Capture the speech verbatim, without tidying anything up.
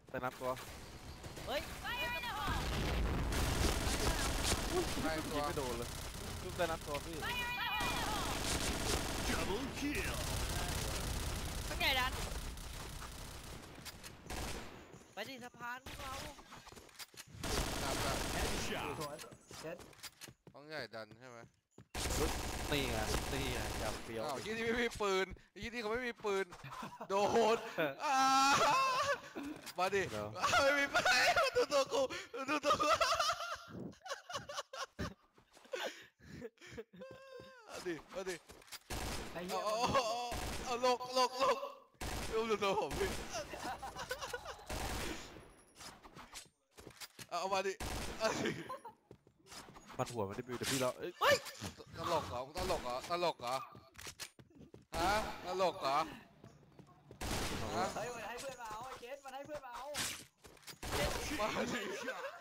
แต่นับตัวเฮ้ยใครตัวไม่โดนเลยจุ๊บแต่นับตัวพี่ข้างใหญ่ดันไปดิสะพานพวกเราจับแบบสวยเจ็ดต้องใหญ่ดันใช่ไหมนี่ไงนี่ไงยำเฟี้ยวอ้าวยี่ที่ไม่มีปืนยี่ที่เขาไม่มีปืนโดนมาดิไม่มีปืนดูตัวกูดูตัวกูมาดิมาดิไอ้เหี้ยเอาเอาเอาลกลกลกดูดูตัวผมพี่เอามาดิมันหัวมันได้บิวแต่พี่เราเอ้ยตลกเหรอตลกเหรอตลกเหรอฮะตลกเหรอฮะเฮ้ยมันให้เพื่อนมาเอาไอ้เจ็ดมันให้เพื่อนมาเอามาดิ